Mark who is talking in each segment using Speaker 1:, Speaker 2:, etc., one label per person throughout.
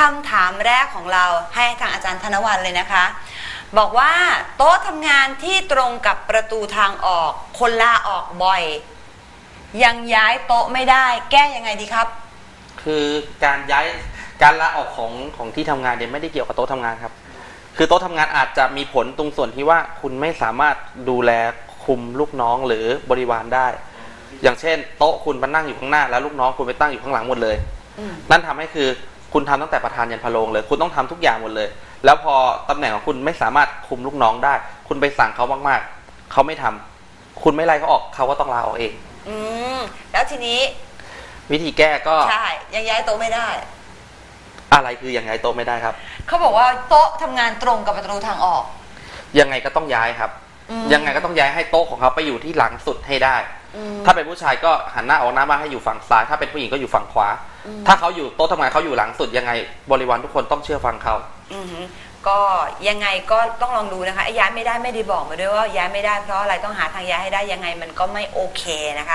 Speaker 1: ำถามแรกของเราให้ทางอาจารย์ธนวัลย์เลยนะคะบอกว่าโต๊ะทำงานที่ตรงกับประตูทางออกคนลาออกบ่อยยังย้ายโต๊ะไม่ได้แก้ยังไงดีครับ
Speaker 2: คือการลาออกของที่ทำงานเนี่ยไม่ได้เกี่ยวกับโต๊ะทำงานครับคือโต๊ะทำงานอาจจะมีผลตรงส่วนที่ว่าคุณไม่สามารถดูแลคุมลูกน้องหรือบริวารได้อย่างเช่นโต๊ะคุณมานั่งอยู่ข้างหน้าแล้วลูกน้องคุณไปตั้งอยู่ข้างหลังหมดเลยนั่นทำให้คือคุณทำตั้งแต่ประธานยันพะโลงเลยคุณต้องทำทุกอย่างหมดเลยแล้วพอตำแหน่งของคุณไม่สามารถคุมลูกน้องได้คุณไปสั่งเขามากๆเขาไม่ทำคุณไม่ไล่เขาออกเขาก็ต้องลาออกเอง
Speaker 1: แล้วทีนี้
Speaker 2: วิธีแก้ก็
Speaker 1: ใช่ยังย้ายโต๊ะไม่ได้
Speaker 2: อะไรคือยังย้ายโต๊ะไม่ได้ครับ
Speaker 1: เขาบอกว่าโต๊ะทำงานตรงกับประตูทางออก
Speaker 2: ยังไงก็ต้องย้ายครับยังไงก็ต้องย้ายให้โต๊ะของเขาไปอยู่ที่หลังสุดให้ได้ถ้าเป็นผู้ชายก็หันหน้าออกหน้าบ้านให้อยู่ฝั่งซ้ายถ้าเป็นผู้หญิงก็อยู่ฝั่งขวาถ้าเขาอยู่โต๊ะทำงานเขาอยู่หลังสุดยังไงบริวารทุกคนต้องเชื่อฟังเขา
Speaker 1: ก็ยังไงก็ต้องลองดูนะคะย้ายไม่ได้ไม่ได้บอกมาด้วยว่าย้ายไม่ได้เพราะอะไรต้องหาทางย้ายให้ได้ยังไงมันก็ไม่โอเคนะคะ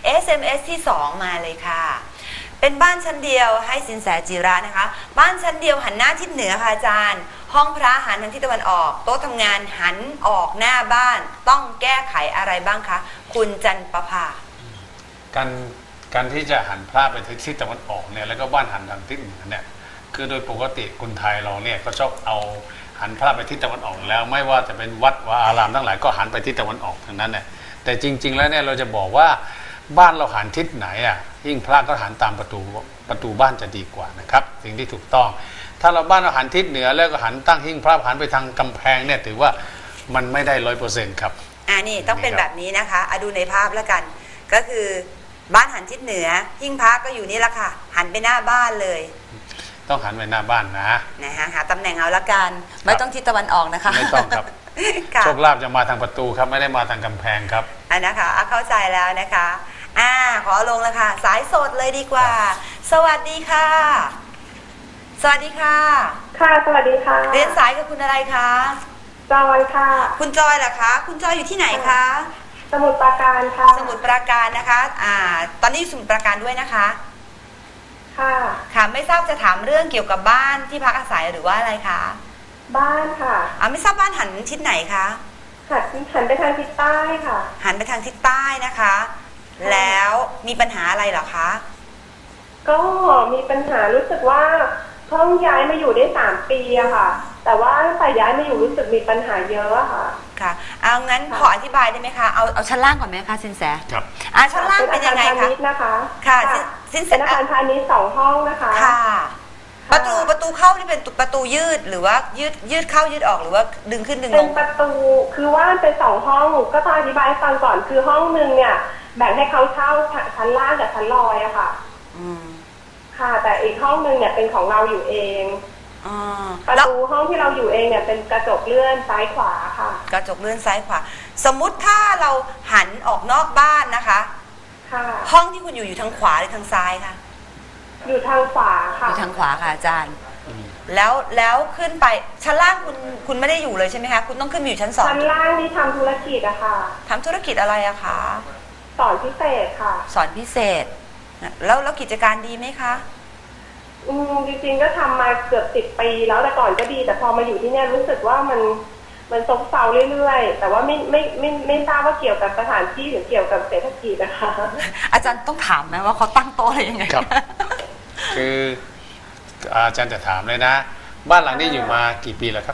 Speaker 1: SMS ที่2มาเลยค่ะเป็นบ้านชั้นเดียวให้สินแสจิระนะคะบ้านชั้นเดียวหันหน้าทิศเหนือค่ะอาจารย์ห้องพระหันทางทิศตะวันออกโต๊ะทำงานหันออกหน้าบ้านต้องแก้ไขอะไรบ้างคะคุณจันประภา
Speaker 3: การที่จะหันพระไปทิศตะวันออกเนี่ยแล้วก็บ้านหันทางทิศเหนือเนี่ยคือโดยปกติคนไทยเราเนี่ยก็ชอบเอาหันพระไปทิศตะวันออกแล้วไม่ว่าจะเป็นวัดวาอารามทั้งหลายก็หันไปทิศตะวันออกทั้งนั้นเนี่ยแต่จริงๆแล้วเนี่ยเราจะบอกว่าบ้านเราหันทิศไหนอ่ะยิ่งพระก็หันตามประตูบ้านจะดีกว่านะครับสิ่งที่ถูกต้องถ้าเราบ้านเราหันทิศเหนือแล้วก็หันตั้งหิ้งพระหันไปทางกำแพงเนี่ยถือว่ามันไม่ได้100%ครับ
Speaker 1: นี่ต้องเป็นแบบนี้นะคะดูในภาพแล้วกันก็คือบ้านหันทิศเหนือหิ้งพระก็อยู่นี่แหละค่ะหันไปหน้าบ้านเลย
Speaker 3: ต้องหันไปหน้าบ้านนะ
Speaker 1: หาตำแหน่งเอาละกันไม่ต้องทิศตะวันออกนะคะ
Speaker 3: ไม่ต้องครับโชคลาภจะมาทางประตูครับไม่ได้มาทางกำแพงครับ
Speaker 1: นะคะเข้าใจแล้วนะคะขอลงแล้วค่ะสายสดเลยดีกว่าสวัสดีค่ะสวัสดีค่ะ
Speaker 4: ค่ะสวัสดีค่ะ
Speaker 1: เรียนสายกับคุณอะไรคะ
Speaker 4: จอยค่ะ
Speaker 1: คุณจอยเหรอคะคุณจอยอยู่ที่ไหนคะ
Speaker 4: สมุทรปราการค่ะ
Speaker 1: สมุทรปราการนะคะตอนนี้สมุทรปราการด้วยนะคะค่ะไม่ทราบจะถามเรื่องเกี่ยวกับบ้านที่พักอาศัยหรือว่าอะไรคะ
Speaker 4: บ้านค่ะ
Speaker 1: ไม่ทราบบ้านหันทิศไหนคะ
Speaker 4: หันไปทางทิศใต้ค่ะ
Speaker 1: หันไปทางทิศใต้นะคะแล้วมีปัญหาอะไรเหรอคะ
Speaker 4: ก็มีปัญหารู้สึกว่าเพิ่งย้ายมาอยู่ได้3 ปีอะค่ะแต่ว่าตั้งแต่ย้ายมาอยู่รู้สึกมีปัญหาเยอะค่ะ
Speaker 1: ค่ะเอางั้นขออธิบายได้ไหมคะเอาชั้นล่างก่อนไหมคะสินแส
Speaker 3: ครับ
Speaker 1: ชั้นล่างเป็นยังไงคะ
Speaker 4: นะคะ
Speaker 1: ค่ะสินแส
Speaker 4: เป็นอาคารพาณิชย์2 ห้องนะคะ
Speaker 1: ค่ะประตูเข้านี่เป็นประตูยืดหรือว่ายืดเข้ายืดออกหรือว่าดึงขึ้นดึงลง
Speaker 4: เป็นประตูคือว่าเป็น2 ห้องก็ต้องอธิบายให้ฟังก่อนคือห้องนึงเนี่ยแบ่งให้เขาเช่าชั้นล่างกับชั้นลอยอะค่ะค่ะแต่อีกห้องนึงเนี่ยเป็นของเราอยู่เองประตูห้องที่เราอยู่เองเนี่ยเป็นกระจกเลื่อนซ้ายขวาค่ะ
Speaker 1: กระจกเลื่อนซ้ายขวาสมมุติถ้าเราหันออกนอกบ้านนะคะ
Speaker 4: ค่ะ
Speaker 1: ห้องที่คุณอยู่ทางขวาหรือทางซ้ายคะ
Speaker 4: อยู่ทางขวาค่ะ
Speaker 1: อยู่ทางขวาค่ะอาจารย์แล้วขึ้นไปชั้นล่างคุณไม่ได้อยู่เลยใช่ไหมคะคุณต้องขึ้นอยู่ชั้น2
Speaker 4: ชั้นล่างนี่ทำธุรกิจอะค่ะ
Speaker 1: ทำธุรกิจอะไรอะคะ
Speaker 4: สอนพิเศษค่ะ
Speaker 1: สอนพิเศษแล้วกิจการดีไหมคะ
Speaker 4: จริงๆก็ทำมาเกือบ10 ปีแล้วแต่ก่อนก็ดีแต่พอมาอยู่ที่นี่รู้สึกว่ามันซบเซาเรื่อยๆแต่ว่าไม่ทราบว่าเกี่ยวกับสถานที่หรือเกี่ยวกับเศรษฐกิจนะคะ
Speaker 1: อาจารย์ต้องถามไหมว่าเขาตั้งโต๊ะอะไรยังไง
Speaker 3: ครับคืออาจารย์จะถามเลยนะบ้านหลังนี้อยู่มากี่ปีแล้วครับ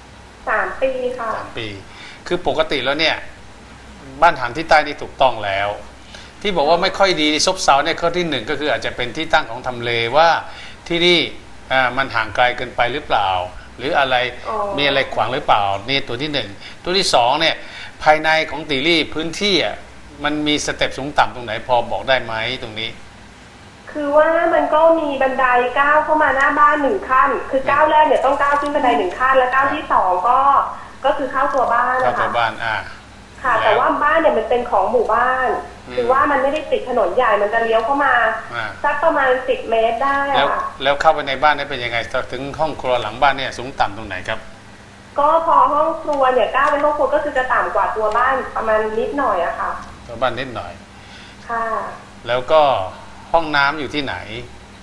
Speaker 4: 3 ปีค่ะ
Speaker 3: 3 ปีคือปกติแล้วเนี่ยบ้านหันที่ใต้นี่ถูกต้องแล้วที่บอกว่าไม่ค่อยดีซบเซาเนี่ยข้อที่1ก็คืออาจจะเป็นที่ตั้งของทำเลว่าที่นี่มันห่างไกลเกินไปหรือเปล่าหรืออะไรมีอะไรขวางหรือเปล่านี่ตัวที่1ตัวที่2เนี่ยภายในของตีรี่พื้นที่มันมีสเต็ปสูงต่ำตรงไหนพอบอกได้ไหมตรงนี้
Speaker 4: คือว่ามันก็มีบันไดก้าวเข้ามาหน้าบ้าน1 ขั้นคือก้าวแรกเนี่ยต้องก้าวขึ้นบันได1 ขั้นแล้วก้าวที่2ก็คือเข้าตัวบ้านนะคะ
Speaker 3: เข้าตัวบ้าน
Speaker 4: ค่ะแต่ว่าบ้านเนี่ยมันเป็นของหมู่บ้านคือว่ามันไม่ได้ติดถนนใหญ่มันจะเลี้ยวเข้ามาสักประมาณ10 เมตรได้ค่ะ
Speaker 3: แล้วเข้าไปในบ้านนี่เป็นยังไงถึงห้องครัวหลังบ้านเนี่ยสูงต่ำตรงไหนครับ
Speaker 4: ก็พอห้องครัวเนี่ยก้าวเป็นห้องครัวก็คือจะต่ำกว่าตัวบ้านประมาณนิดหน่อยอะค่ะ
Speaker 3: ตัวบ้านนิดหน่อย
Speaker 4: ค่ะ
Speaker 3: แล้วก็ห้องน้ำอยู่ที่ไหน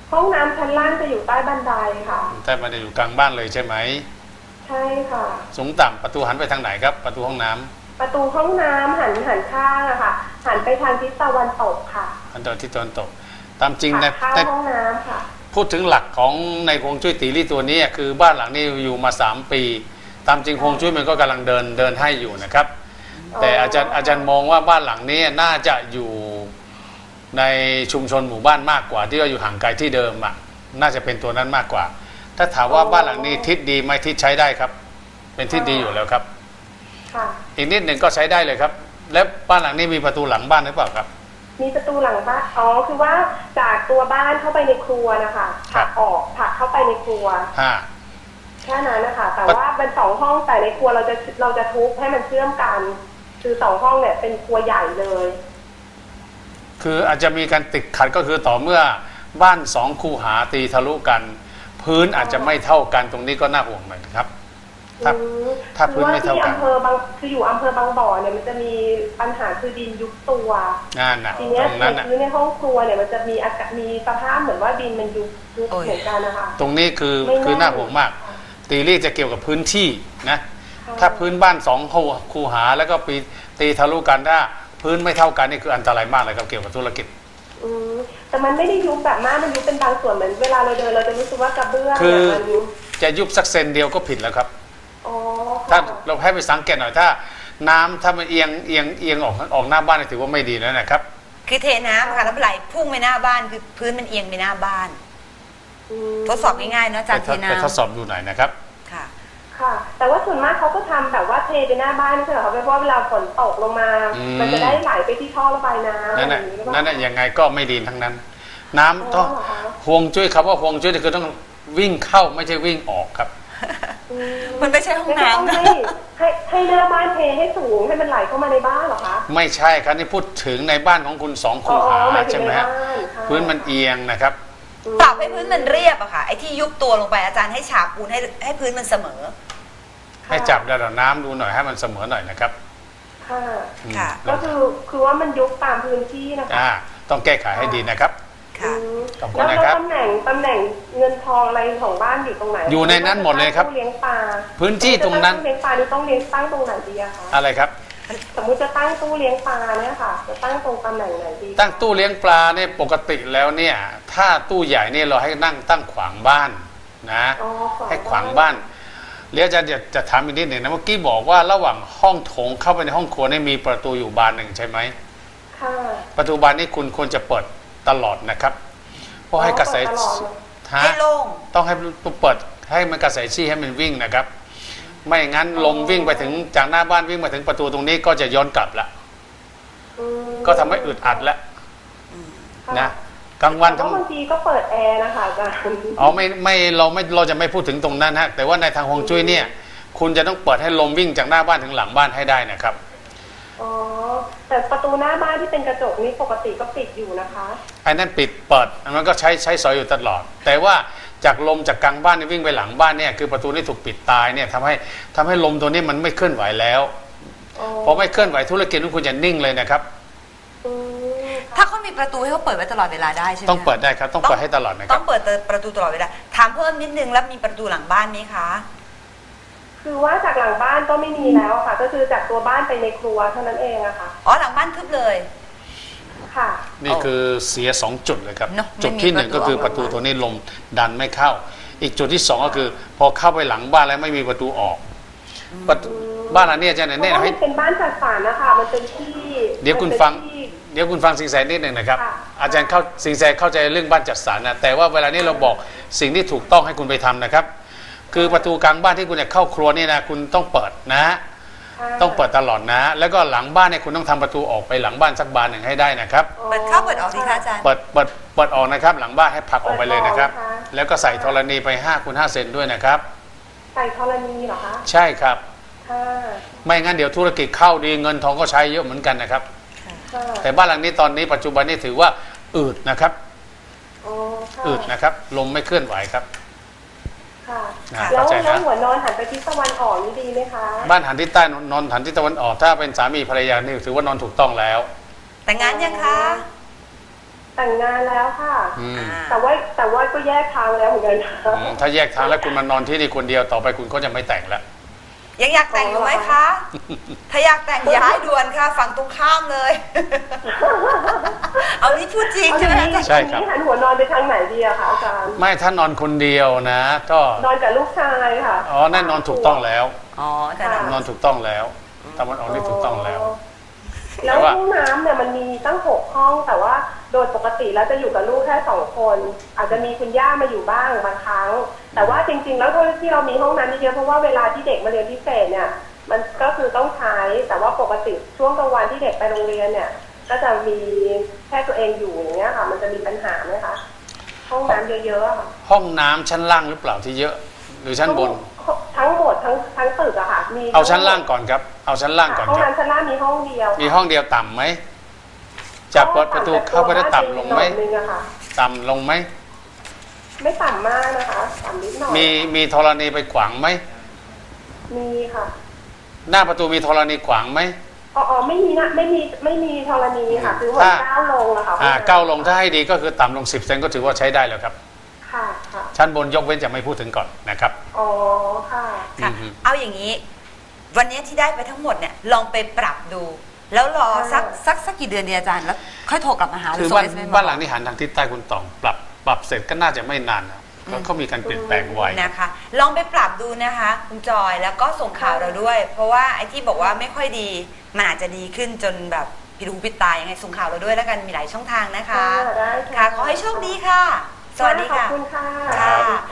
Speaker 4: ห้องน้ำชั้นล่างจะอยู่ใต้บันไดค่ะ
Speaker 3: แต่มันจะอยู่กลางบ้านเลยใช่ไหม
Speaker 4: ใช่ค่ะ
Speaker 3: สูงต่ำประตูหันไปทางไหนครับ ประตูห้องน้ำ
Speaker 4: ประตูห้องน้ำหันข้างอะค่ะ หันไปทางทิศตะวันตกค่ะ
Speaker 3: อันตอนที่ตะวันตก ตามจริงใน
Speaker 4: ค่ะเข้าห้องน้ำค่ะ
Speaker 3: พูดถึงหลักของในฮวงจุ้ยตีรี่ตัวนี้คือบ้านหลังนี้อยู่มา3 ปี ตามจริงฮวงจุ้ยมันก็กำลังเดินให้อยู่นะครับ แต่อาจารย์มองว่าบ้านหลังนี้น่าจะอยู่ในชุมชนหมู่บ้านมากกว่า ที่เราอยู่ห่างไกลที่เดิมอ่ะน่าจะเป็นตัวนั้นมากกว่า ถ้าถามว่าบ้านหลังนี้ทิศดีไหมทิศใช้ได้ครับ เป็นทิศดีอยู่แล้วครับ
Speaker 4: ค่ะ
Speaker 3: อีกนิดหนึ่งก็ใช้ได้เลยครับ แล้วบ้านหลังนี้มีประตูหลังบ้านหรือเปล่าครับ
Speaker 4: มีประตูหลังบ้านอ๋อคือว่าจากตัวบ้านเข้าไปในครัวนะคะผลักออกผลักเข้าไปในครัว แค่นั้นนะคะแต่ว่าเป็น2 ห้องแต่ในครัวเราจะทุบให้มันเชื่อมกันคือ2 ห้องเนี่ยเป็นครัวใหญ่เลย
Speaker 3: คืออาจจะมีการติดขัดก็คือต่อเมื่อบ้าน2 คูหาตีทะลุกัน พื้นอาจจะไม่เท่ากันตรงนี้ก็น่าห่วงหน่อยนะครับ ถ้าพื้นไม่เท่ากัน
Speaker 4: คือว่าที่อยู่อำเภอบางบ่อเนี่ยมันจะมีปัญหาคือดินยุบตัว
Speaker 3: งานน่ะ
Speaker 4: ทีเนี้ย
Speaker 3: ตรงนั้นน่ะ
Speaker 4: พื้นในห้องครัวเนี่ยมันจะมีมีสภาพเหมือนว่าดินมันยุบเหมือนกันนะคะ
Speaker 3: ตรงนี้คือ
Speaker 4: ไม่น่า
Speaker 3: คือน่าห่วงมาก ตีรี่จะเกี่ยวกับพื้นที่นะ
Speaker 4: ค่ะ
Speaker 3: ถ้าพื้นบ้าน2 คูหาแล้วก็ปีตีทะลุกันถ้าพื้นไม่เท่ากันนี่คืออันตรายมากเลยครับเกี่ยวกับธุรกิจ
Speaker 4: แต่มันไม่ได้ยุบแบบมากมันยุบเป็นบางส่วนเหมือนเวลาเราเดินเราจะรู้สึกว่ากระเบื้อง
Speaker 3: คือ
Speaker 4: เนี่ยมันยุบ
Speaker 3: จะยุบสักเซนเดียวก็ผิดแล้วครับ
Speaker 4: อ๋อ
Speaker 3: ถ้า
Speaker 4: ค่ะ
Speaker 3: เราให้ไปสังเกตหน่อยถ้าน้ำถ้ามันเอียงออกหน้าบ้านนี่ถือว่าไม่ดีแล้วนะครับ
Speaker 1: คือเทน้ำค่ะแล้วไหลพุ่งไปหน้าบ้านคือพื้นมันเอียงไปหน้าบ้าน ทดสอบง่ายๆเนาะอาจารย์เทน้ำ
Speaker 3: ไปทดสอบดูหน่อยนะครับ
Speaker 1: ค่ะ
Speaker 4: ค่ะ แต่ว่าส่วนมากเขาก็ทำแบบว่าเทไปหน้าบ้านไม่ใช่เหรอคะเพราะว่าเวลาฝนตกลงมา มันจะได้ไหลไปที่ท่อระบายน้ำ
Speaker 3: นั่น
Speaker 4: อะไร
Speaker 3: น่ะ
Speaker 4: อย่างนี้หรือเปล่า
Speaker 3: นั่นน่ะยังไงก็ไม่ดีทั้งนั้น น้ำต้อง
Speaker 4: อ๋อเหรอคะ
Speaker 3: ฮวงจุ้ยครับว่าฮวงจุ้ยนี่คือต้องวิ่งเข้าไม่ใช่วิ่งออกครับ
Speaker 1: มันไม่ใช่ห้องน้ำ
Speaker 4: ต้
Speaker 1: นะ
Speaker 4: ให้หน้าบ้านเทให้สูงให้มันไหลเข้ามาในบ้านเหรอคะ
Speaker 3: ไม่ใช่ครับนี่พูดถึงในบ้านของคุณ2 คูหา
Speaker 4: หมายถึ
Speaker 3: ใช่
Speaker 4: ง
Speaker 3: ไหม
Speaker 4: ใน
Speaker 3: ฮะ
Speaker 4: บ้านค่ะ
Speaker 3: พื้นมันเอียงนะครับ
Speaker 1: ปรับให้พื้นมันเรียบอะค่ะไอ้ที่ยุบตัวลงไปอาจารย์ให้ฉาบปูนให้พื้นมันเสมอ
Speaker 3: ให้จับระดับน้ำดูหน่อยให้มันเสมอหน่อยนะครับ
Speaker 4: ค่ะ
Speaker 1: ค่ะ
Speaker 4: ก็คือว่ามันยุบตามพื้นที่นะคะ
Speaker 3: ต้องแก้ไขให้ดีนะครับ
Speaker 1: ค่ะ
Speaker 3: ขอบคุณ
Speaker 4: แล้ว
Speaker 3: นะครับ
Speaker 4: ตำแหน่งเงินทองอะไรของบ้านอยู่ตรงไหน
Speaker 3: อยู่ในนั้นหมดเลยครับ
Speaker 4: ตู้เลี้ยงปลา
Speaker 3: พื้นที่ตรงนั้น
Speaker 4: ตู้เลี้ยงปลานี่ต้องเลี้ยงตั้งตรงไหนดีอะคะ
Speaker 3: อะไรครับ
Speaker 4: สมมุติจะตั้งตู้เลี้ยงปลาเนี่ยค่ะ จะตั้งตรงตำแหน่งไหนดี
Speaker 3: ตั้งตู้เลี้ยงปลาเนี่ยปกติแล้วเนี่ยถ้าตู้ใหญ่เนี่ยเราให้นั่งตั้งขวางบ้านนะ
Speaker 4: อ๋อ
Speaker 3: ให้ขวางบ้านเดี๋ยวอาจารย์จะถามอีกนิดหนึ่งนะเมื่อกี้บอกว่าระหว่างห้องโถงเข้าไปในห้องครัวเนี่ยมีประตูอยู่บานหนึ่งใช่ไหม
Speaker 4: ค่ะ
Speaker 3: ประตูบานนี้คุณควรจะเปิดตลอดนะครับเพราะให้กระแส
Speaker 4: เปิดตลอดเลย
Speaker 3: ฮะ
Speaker 1: ให้โล่ง
Speaker 3: ต้องให้เปิดให้มันกระแสชี้ให้มันวิ่งนะครับ ไม่งั้นลมวิ่งไปถึงจากหน้าบ้านวิ่งมาถึงประตูตรงนี้ก็จะย้อนกลับละ
Speaker 4: อืม
Speaker 3: ก็ทำให้อึดอัดแล้ว
Speaker 4: ค่ะ
Speaker 3: นะกลางวัน
Speaker 4: แต่
Speaker 3: ทั้ง
Speaker 4: บางทีก็เปิดแอร์นะคะอาจารย์
Speaker 3: เราจะไม่พูดถึงตรงนั้นฮะแต่ว่าในทางฮวงจุ้ยเนี่ยคุณจะต้องเปิดให้ลมวิ่งจากหน้าบ้านถึงหลังบ้านให้ได้นะครับ
Speaker 4: อ๋อแต่ประตูหน้าบ้านที่เป็นกระจกนี่ปกติก็ปิดอยู่นะคะ
Speaker 3: ไอ้นั่นปิดเปิดมันก็ใช้สอยอยู่ตลอด แต่ว่าจากลมจากกลางบ้านนี่วิ่งไปหลังบ้านเนี่ยคือประตูนี่ถูกปิดตายเนี่ยทำให้ลมตัวนี้มันไม่เคลื่อนไหวแล้ว
Speaker 4: อ๋อ
Speaker 3: พอไม่เคลื่อนไหวธุรกิจของคุณจะนิ่งเลยนะครับ
Speaker 4: อืม
Speaker 1: ถ้าเขามีประตูให้เขาเปิดไว้ตลอดเวลาได้ใช่ไหม
Speaker 3: ต้องเปิดได้ครับต้องเปิดให้ตลอดนะค
Speaker 1: ต้
Speaker 3: รั
Speaker 1: อบ งเปิดประตูตลอดเวลาถามเพิ่มนิดนึงแล้วมีประตูหลังบ้านไหมคะ
Speaker 4: คือว่าจากหลังบ้านก็ไม่มีแล้วอะค่ะ ก็คือจากตัวบ้านไปในครัวเท่านั้นเองอะค่ะ
Speaker 1: อ๋อหลังบ้านทึบเลย
Speaker 4: ค่ะ
Speaker 3: นี่คือเสีย2 จุดเลยครับ
Speaker 1: เนอะ
Speaker 3: จุดที่
Speaker 1: ไม่มี
Speaker 3: 1ก็คือ
Speaker 1: ป
Speaker 3: ประ ระ
Speaker 1: ตู
Speaker 3: ตู
Speaker 1: ออก
Speaker 3: ตัวนี้ลมดันไม่เข้า อีกจุดที่2ก็คือ พอเข้าไปหลังบ้านแล้วไม่มีประตูออกประตูบ้านหลังนี้อาจารย์
Speaker 4: เพ
Speaker 3: เนี่ย
Speaker 4: ราะว่า
Speaker 3: ให้
Speaker 4: มันเป็นบ้านจัดสรรนะคะมันเป็นที่
Speaker 3: เดี๋ยวคุณ
Speaker 4: มัน
Speaker 3: ฟัง
Speaker 4: เป็นที่
Speaker 3: เดี๋ยวคุณฟังสิงแสนิดหนึ่งนะครับ
Speaker 4: ค่ะ
Speaker 3: อาจารย์สิงแสเข้าใจเรื่องบ้านจัดสรรนะแต่ว่าเวลานี้เราบอกสิ่งที่ถูกต้องให้คุณไปทำนะครับ คือประตูกลางบ้านที่คุณจะเข้าครัวนี่นะคุณต้องเปิดนะ
Speaker 4: ค่ะ
Speaker 3: ต้องเปิดตลอดนะ แล้วก็หลังบ้านเนี่ยคุณต้องทำประตูออกไปหลังบ้านสักบานหนึ่งให้ได้นะครับ
Speaker 1: เปิดเข้าเปิดออกสิคะอาจารย์
Speaker 3: เปิดออกนะครับ หลังบ้านให้ผลักออกไปเลยนะครับ แล้วก็ใส่ธรณีไป5 คูณ 5 เซนด้วยนะครับ
Speaker 4: ใส่ธรณีเหรอคะ
Speaker 3: ใช่ครับ
Speaker 4: ค่ะ
Speaker 3: ไม่งั้นเดี๋ยวธุรกิจเข้าดีเงินทองก็ใช้เยอะเหมือนกันนะครับ
Speaker 4: ค่ะ
Speaker 3: แต่บ้านหลังนี้ตอนนี้ปัจจุบันนี้ถือว่าอืดนะครับ
Speaker 4: อ๋อค่ะ
Speaker 3: อืดนะครับลมไม่เคลื่อนไหวครับ
Speaker 4: ค่ะ
Speaker 3: อ่า
Speaker 4: แล้ว
Speaker 3: เข้าใจนะ
Speaker 4: หัวนอนหันไปทิศตะวันออกนี่ดีไหมคะ
Speaker 3: บ้านหันทิศใต้นอนหันทิศตะวันออกถ้าเป็นสามีภรรยานี่ถือว่านอนถูกต้องแล้ว
Speaker 1: แต่งงานยังคะ
Speaker 4: ยแต่งงานแล้วค่ะ
Speaker 3: อืม
Speaker 4: แต่ว่าก็แยกทางแล้วเหมือนกันค่ะ
Speaker 3: ถ้าแยกทางแล้วคุณมานอนที่นี่คนเดียวต่อไปคุณก็จะไม่แต่งแล้ว
Speaker 1: ยังอยากแต่งอยู่ไหมคะ ถ้าอยากแต่งย้ายด่วนค่ะ ฝั่งตรงข้ามเลย เอานี่พูดจริง
Speaker 4: เอาอ
Speaker 1: ใช่
Speaker 4: ย่าง
Speaker 1: ไหม
Speaker 4: นี้
Speaker 1: อาจารย์
Speaker 3: ใช่ครับ
Speaker 4: หันหัวนอนไปทางไหนดีอะคะอาจารย์
Speaker 3: ไม่ถ้านอนคนเดียวนะ ก็
Speaker 4: นอนกับลูกชายค่ะ
Speaker 3: อ๋อแน่นอนถูกต้องแล้ว
Speaker 1: อ๋อแต่ละ
Speaker 3: นอนถูกต้องแล้วตะวันออกนี่ถูกต้องแล้ว
Speaker 4: แล้วห้องน้ำเนี่ยมันมีตั้ง6 ห้อง แต่ว่าโดยปกติแล้วจะอยู่กับลูกแค่2 คน อาจจะมีคุณย่ามาอยู่บ้างบางครั้ง แต่ว่าจริงๆแล้วที่เรามีห้องน้ำเยอะเพราะว่าเวลาที่เด็กมาเรียนพิเศษเนี่ย มันก็คือต้องใช้ แต่ว่าปกติช่วงกลางวันที่เด็กไปโรงเรียนเนี่ย ก็จะมีแค่ตัวเองอยู่อย่างเงี้ยค่ะ มันจะมีปัญหาไหมคะ ห้องน้ำเยอะๆอะค่ะ
Speaker 3: ห้องน้ำชั้นล่างหรือเปล่าที่เยอะ หรือชั้นบน
Speaker 4: ทั้งหมดทั้งตึกอะค่ะมี
Speaker 3: เอาชั้นล่างก่อนครับ เอาชั้นล่างก่อน
Speaker 4: ห้อง
Speaker 3: ครับ
Speaker 4: น้ำชั้นล่างมีห้องเดียว
Speaker 3: มีห้องเดียวต่ำไหมจะเปิดประตูเข้าไปได้ต่ำลงไหม
Speaker 4: หน่อยนึงอะค่ะ
Speaker 3: ต่ำลงไหม
Speaker 4: ไม่ต่ำมากนะคะต่ำนิดหน่อย
Speaker 3: มีธรณีไปขวางไหม
Speaker 4: มีค่ะ
Speaker 3: หน้าประตูมีธรณีขวางไหม
Speaker 4: อ๋อไม่มีนะไม่มีธรณีค่ะคือหัวก้าวลงอะค่ะ
Speaker 3: ก้าวลงถ้าให้ดีก็คือต่ำลง10 เซนก็ถือว่าใช้ได้แล้วครับ
Speaker 4: ค่ะค่ะ
Speaker 3: ชั้นบนยกเว้นจะไม่พูดถึงก่อนนะครับ
Speaker 4: อ๋อค่ะ
Speaker 1: ค่ะ
Speaker 3: อืม
Speaker 1: เอาอย่างนี้ วันนี้ที่ได้ไปทั้งหมดเนี่ยลองไปปรับดู แล้วรอสักกี่เดือนดีอาจารย์แล้วค่อยโทรกลับมาหา
Speaker 3: คือ
Speaker 1: ส่ง SMS
Speaker 3: บ้านหลังที่หันทางทิศใต้คุณตองปรับเสร็จก็น่าจะไม่นานนะก็เขามีการเปลี่ยนแปลงไว
Speaker 1: นะคะ ลองไปปรับดูนะคะคุณจอยแล้วก็ส่งข่าวเราด้วย เพราะว่าไอ้ที่บอกว่าไม่ค่อยดีมันอาจจะดีขึ้นจนแบบผิดหูผิดตายังไงส่งข่าวเราด้วยแล้วกันมีหลายช่องทางนะคะ
Speaker 4: ได้
Speaker 1: ค่ะขอให้โชคดีค่ะ สวัสดี
Speaker 4: ขอ
Speaker 1: ค่ะ
Speaker 4: บคุณค่ะ
Speaker 1: ค่ะ
Speaker 3: ครับ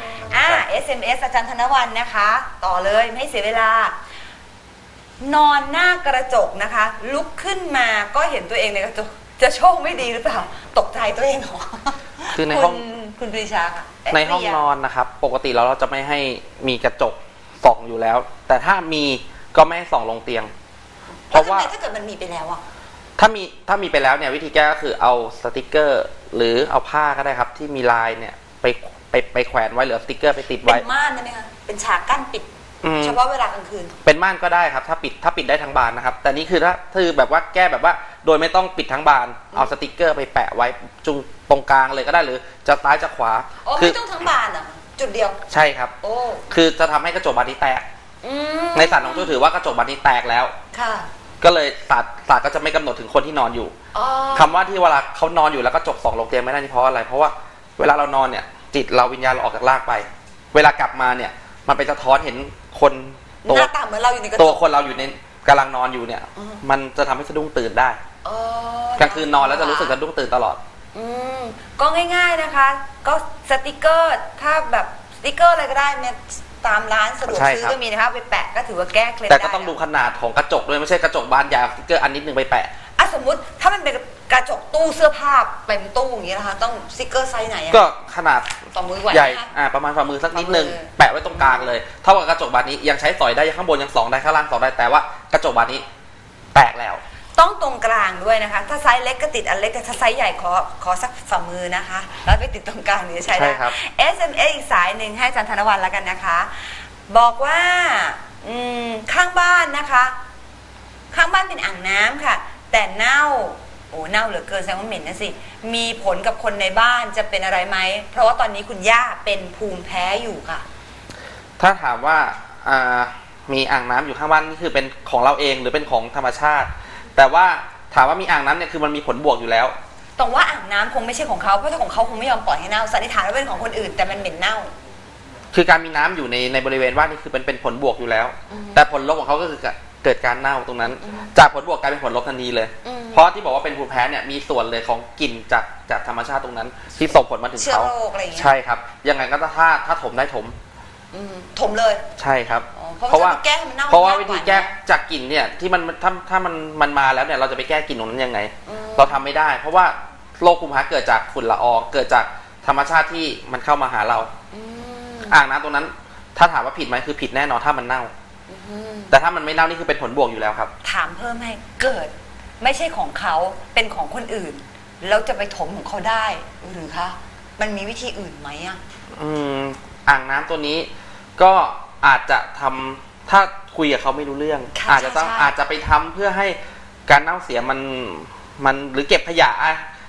Speaker 1: SMS อาจารย์ธนวันนะคะ ต่อเลยไม่ให้เสียเวลา นอนหน้ากระจกนะคะ ลุกขึ้นมาก็เห็นตัวเองในกระจกจะโชคไม่ดีหรือเปล่า ตกใจตัวเองเหรอ
Speaker 2: คือในห้อง
Speaker 1: คุณปรีชาค่ะเะ
Speaker 2: ในห้อง
Speaker 1: ปรียา
Speaker 2: นอนนะครับ ปกติแล้วเราจะไม่ให้มีกระจกส่องอยู่แล้ว แต่ถ้ามีก็ไม่ให้ส่องลงเตียง เพ
Speaker 1: แล้ว
Speaker 2: ราะ
Speaker 1: ทำ
Speaker 2: ว่า
Speaker 1: ไมถ้าเกิดมันมีไปแล้วอ่ะ
Speaker 2: ถ้ามีไปแล้วเนี่ยวิธีแก้ก็คือเอาสติกเกอร์ หรือเอาผ้าก็ได้ครับ ที่มีลายเนี่ยไปแขวนไว้หรือเอาสติกเกอร์ไปติด
Speaker 1: เป็
Speaker 2: ไว้
Speaker 1: นม่านได้ไหมคะเป็นฉากกั้นปิด
Speaker 2: อืม
Speaker 1: เฉพาะเวลากลางคืน
Speaker 2: เป็นม่านก็ได้ครับถ้าปิดได้ทั้งบานนะครับ แต่นี่คือถ้าแบบว่าแก้แบบว่าโดยไม่ต้องปิดทั้งบานเอาสติกเกอร์ไปแปะไว้จุงตรงกลางเลยก็ได้หรือจะซ้ายจะขวา
Speaker 1: อ๋อ
Speaker 2: คื
Speaker 1: ไม่ต้องทั้งบานเหรอ่ะจุดเดียว
Speaker 2: ใช่ครับ
Speaker 1: โอ้
Speaker 2: คือจะทำให้กระจกบานนี้แตก
Speaker 1: อืม
Speaker 2: ในศาสตร์ของจูถือว่ากระจกบานนี้แตกแล้ว
Speaker 1: ค่ะ
Speaker 2: ก็เลยศาสตร์ก็จะไม่กำหนดถึงคนที่นอนอยู่
Speaker 1: อ๋อ
Speaker 2: คำว่าที่เวลาเขานอนอยู่แล้วกระจกส่องลงเตียงไม่ได้นี่เพราะอะไร เพราะว่าเวลาเรานอนเนี่ย จิตเราวิญญาณเราออกจากร่างไป เวลากลับมาเนี่ย มันไปสะท้อนเห็นคน
Speaker 1: ห
Speaker 2: ตัว
Speaker 1: น้าตาเหมือนเราอยู่ในกระจ
Speaker 2: ตัว
Speaker 1: ก
Speaker 2: คนเราอยู่ในกำลังนอนอยู่เนี่ย
Speaker 1: อืม
Speaker 2: มันจะทำให้สะดุ้งตื่นได้
Speaker 1: อ๋อก
Speaker 2: ลางคืนนอนแล้วจะรู้สึกสะดุ้งตื่นตลอด
Speaker 1: อืมก็ง่ายๆนะคะ ก็สติกเกอร์ถ้าแบบสติกเกอร์อะไรก็ได้เนี่ยตามร้านสะดวก
Speaker 2: ใช่
Speaker 1: ซื้อ
Speaker 2: ครับ
Speaker 1: ก็มีนะคะเอาไปแปะก็ถือว่าแก้เคล็ด
Speaker 2: แต่
Speaker 1: ได้
Speaker 2: ก็ต้องดูขนาดของกระจกด้วยไม่ใช่กระจกบานใหญ่เอาสติ๊กเกอร์อันนิดนึงไปแปะ
Speaker 1: อ่ะสมมติถ้ามันเป็นกระจกตู้เสื้อผ้าเต็มตู้อย่างนี้นะคะ ต้องสติกเกอร์ไซส์ไหนอะ
Speaker 2: ก็ขนาด
Speaker 1: ต่อมือไหว
Speaker 2: ใหญ่
Speaker 1: ไหมคะ
Speaker 2: ประมาณฝ่ามือสักนิดนึง
Speaker 1: ฝ่ามือ
Speaker 2: แปะไว้ตรงกลางเลยเท่ากับกระจกบานนี้ยังใช้สอยได้ข้างบนยังส่องได้ข้างล่างส่องได้แต่ว่ากระจกบานนี้แตกแล้ว
Speaker 1: ต้องตรงกลางด้วยนะคะ ถ้าไซส์เล็กก็ติดอันเล็กแต่ถ้าไซส์ใหญ่ขอสักฝ่ามือนะคะ แล้วไปติดตรงกลางนี้ใช้
Speaker 2: ใช่
Speaker 1: ได้
Speaker 2: ครับ
Speaker 1: SMS อีกสายหนึ่งให้อาจารย์ธนวัลแล้วกันนะคะ บอกว่าข้างบ้านนะคะ ข้างบ้านเป็นอ่างน้ำค่ะ แต่เน่าโอ้เน่าเหลือเกินแสดงว่าเหม็นนะสิมีผลกับคนในบ้านจะเป็นอะไรไหมเพราะว่าตอนนี้คุณย่าเป็นภูมิแพ้อยู่ค่ะ
Speaker 2: ถ้าถามว่ามีอ่างน้ำอยู่ข้างบ้านนี่คือเป็นของเราเองหรือเป็นของธรรมชาติ แต่ว่าถามว่ามีอ่างน้ำเนี่ยคือมันมีผลบวกอยู่แล้ว
Speaker 1: ตรงว่าอ่างน้ำคงไม่ใช่ของเขาเพราะถ้าของเขาคงไม่ยอมปล่อยให้เน่าสันนิษฐานว่าเป็นของคนอื่นแต่มันเหม็นเน่า
Speaker 2: คือการมีน้ำอยู่ในบริเวณบ้านนี่คือเป็นผลบวกอยู่แล้ว แต่ผลลบของเขาก็คือเกิดการเน่าตรงนั้น จากผลบวกกลายเป็นผลลบทันทีเลย เพราะที่บอกว่าเป็นภูมิแพ้เนี่ยมีส่วนเลยของกลิ่นจากธรรมชาติตรงนั้น ที่ส่งผลมาถึง
Speaker 1: เชื้อ
Speaker 2: เขา
Speaker 1: โรคอะไรอย่างเงี้ย
Speaker 2: ใช่ครับยังไงก็ถ้าถมได้ถม
Speaker 1: ถมเลย
Speaker 2: ใช่ครับ
Speaker 1: อ๋อเพราะว่าจะไปแก้ให้มันเน่า
Speaker 2: เพราะว่าวิ
Speaker 1: ยากก
Speaker 2: ธี
Speaker 1: ว่า
Speaker 2: แก้จากกลิ่นเนี่ยที่มันถ้ามันมาแล้วเนี่ยเราจะไปแก้กลิ่นตรงนั้นยังไง เราทำไม่ได้ เพราะว่าโรคภูมิแพ้เกิดจากฝุ่นละอองเกิดจากธรรมชาติที่มันเข้ามาหาเรา อ่างน้ำตรงนั้น ถ้าถามว่าผิดไหมคือผิดแน่นอนถ้ามันเน่า แต่ถ้ามันไม่เน่านี่คือเป็นผลบวกอยู่แล้วครับ
Speaker 1: ถามเพิ่มให้เกิด ไม่ใช่ของเขาเป็นของคนอื่น แล้วจะไปถมของเขาได้หรือคะมันมีวิธีอื่นไหมอ่ะ
Speaker 2: อ่างน้ำตัวนี้ก็อาจจะทำถ้าคุยกับเขาไม่รู้เรื่อง
Speaker 1: ค่ะ
Speaker 2: อาจจะต้อง
Speaker 1: ใช่
Speaker 2: อาจจะไปทำเพื่อให้การเน่าเสียมันหรือเก็บขยะ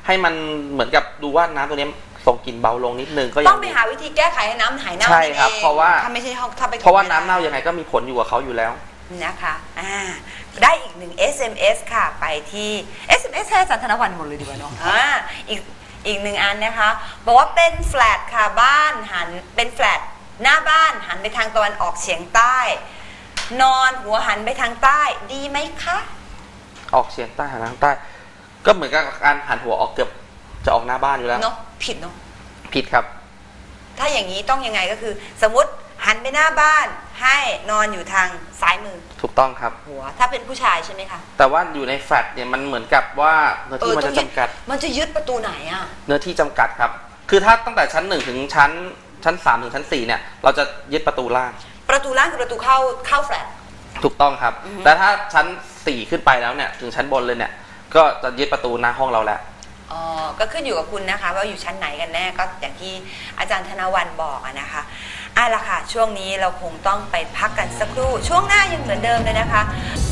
Speaker 2: ให้มันเหมือนกับดูว่าน้ำตัวนี้ส่งกลิ่นเบาลงนิดนึงก็ยั
Speaker 1: ต้อง งไปหาวิธีแก้ไขให้น้ำหายเน่า
Speaker 2: ใช่ครับ
Speaker 1: นั่นอง
Speaker 2: เพราะว่า
Speaker 1: ถ้าไม่ใช่ห้องถ้าไป
Speaker 2: เพราะว่าน้ำเน่ายังไงก็มีผลอยู่กับเขาอยู่แล้ว
Speaker 1: นะคะได้อีกหนึ่ง SMS ค่ะไปที่ SMS ให้อาจารย์ธนวัลหมดเลยดีกว่าเนาะอีกหนึ่งอันนะคะบอกว่าเป็นแฟลตค่ะบ้านหันเป็นแฟลตหน้าบ้านหันไปทางตะวันออกเฉียงใต้ นอนหัวหันไปทางใต้ดีไหมคะ
Speaker 2: ออกเฉียงใต้หันทางใต้ ก็เหมือนกับการหันหัวออกเกือบจะออกหน้าบ้านอยู่แล้ว
Speaker 1: เนาะผิดเนาะ
Speaker 2: ผิดครับ
Speaker 1: ถ้าอย่างนี้ต้องยังไงก็คือ สมมติหันไปหน้าบ้านให้นอนอยู่ทางซ้ายมือ
Speaker 2: ถูกต้องครับ
Speaker 1: หัวถ้าเป็นผู้ชายใช่ไหมคะ
Speaker 2: แต่ว่าอยู่ในแฟลตเนี่ยมันเหมือนกับว่าเนื้อที่มันจะจำกัด
Speaker 1: มันจะยึดประตูไหนอ่ะ
Speaker 2: เนื้อที่จำกัดครับ คือถ้าตั้งแต่ชั้น1ถึงชั้น3ถึงชั้น4เนี่ยเราจะยึดประตูล่าง
Speaker 1: ประตูล่างคือประตูเข้าแฟลต
Speaker 2: ถูกต้องครับ แต่ถ้าชั้น4ขึ้นไปแล้วเนี่ยถึงชั้นบนเลยเนี่ยก็จะยึดประตูหน้าห้องเราแล้ว
Speaker 1: อ๋อ ก็ขึ้นอยู่กับคุณนะคะว่าอยู่ชั้นไหนกันแน่ก็อย่างที่อาจารย์ธนวัลบอกอะนะคะล่ะค่ะช่วงนี้เราคงต้องไปพักกันสักครู่ช่วงหน้ายังเหมือนเดิมเลยนะคะ